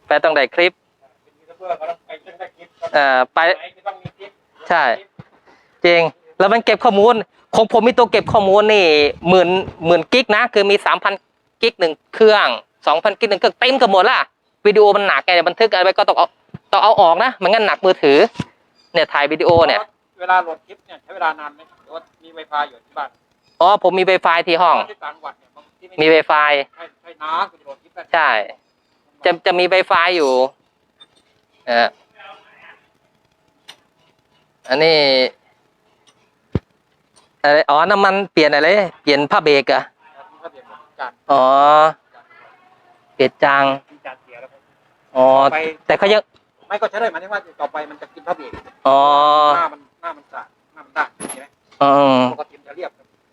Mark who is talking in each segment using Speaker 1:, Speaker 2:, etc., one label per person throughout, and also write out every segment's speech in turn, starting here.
Speaker 1: ไปต้องได้คลิปไปใช่จริงแล้วมันเก็บข้อมูลของผมมีตัวเก็บข้อมูลนี่หมื่นกิกนะคือมี3,000กิกหนึ่งเครื่อง2,000กิกหนึ่งเครื่องเต็มกันหมดละวิดีโอมันหนักไงบันทึกอะไรก็ต้องเอาออกนะมันงั้นหนักมือถือเนี่ยถ่ายวิดีโอเนี่ย
Speaker 2: เวลาโหลดคลิปเนี่ยใช้เวลานานไหมหรือว่ามีไวไฟอยู่ที่บ้าน
Speaker 1: อ๋อผมมี Wi-Fi ที่ห้อง
Speaker 2: ที่ต่างจังหวัดเนี่ย
Speaker 1: มี Wi-Fi
Speaker 2: ใช่น้าคุณโหลดคลิปได้
Speaker 1: ใช่จะมี Wi-Fi อยู่อันนี้อะไรอ๋อน้ำมันเปลี่ยนอะไรเปลี่ยนผ้าเบรกอะอ๋อเปลี่ยนจางอ๋อแต่เขายัง
Speaker 2: ไม่ก็ใช้ได้หมายถึงว่าต่อไปมันจะกินผ้าเบรก
Speaker 1: อ๋อ
Speaker 2: หน้ามันสะหน้ามันด้านใช่ไหมปกติจะเรียบ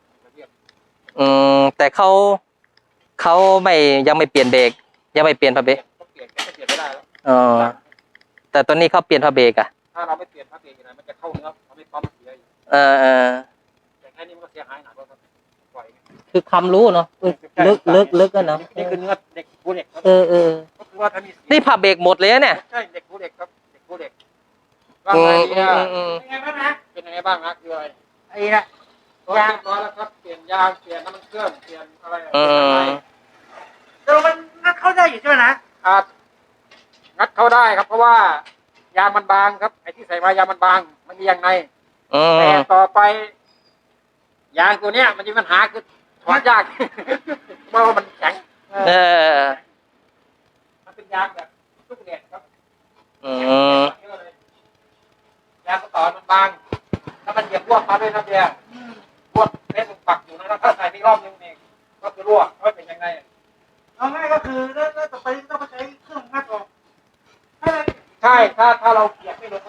Speaker 1: แต่เขายังไม่เปลี่ยนเบรกยังไม่เปลี่ยนผ้าเบรก
Speaker 2: เปลี่ยนไม่ได้แล้ว
Speaker 1: อ๋อแต่ตอนนี้เขาเปลี่ยนผ้าเบรกอะ
Speaker 2: ถ้าเราไม่เปลี่ยนผ้าเบรกนะมันจะเข้าเนื้อทำให้ปั๊มเสียอยู่แต่แค่นี้มันก็เสียหายหนักแล้วครับปล่อย
Speaker 1: คือความรู้เนาะลึกกันเนาะ
Speaker 2: นี่คือเนื้อเด็กผู้เด็ก
Speaker 1: ก็คือว่าถ้ามีนี่ผ้าเบรกหมดเลยเนี่ย
Speaker 2: ใช่เด็กผู้เด็กครับเด็กผู้เด็กว่าไงเนี่ยเป็นไงบ้างนะเป็นยังไงบ้างนะคืออะไรไอ้นะยางร้อยแล้วครับเปลี่ยนยางเปลี่ยนน้ำมันเครื่องเปลี่ยนอะไร
Speaker 3: แต่มันงัดเข้าได้อยู่ใช่ไหมนะครับ
Speaker 2: งัดเข้าได้ครับเพราะว่ายางมันบางครับไอ้ที่ใส่มายางมันบางมันมียางในแต่ต่อไปยางตัวเนี้ยมันจะมีปัญหาคือถอดยากเพราะว่ามันแข็งมันเป็นยางแบบลูกเหล็กครับยางกระต่อมันบางถ้ามันเหยียบรั่วมาด้วยนะเดียรั่วเล่นปักอยู่นะถ้าใส่ไม่รอบนึงเองก็คือรั่วไม่เป็นยังไง
Speaker 3: เอาง่ายก็คือแล้วต่อไปต้องมาใช้เครื่องงัดออก
Speaker 2: ใช่ถ้าเราเกียบไม่ลง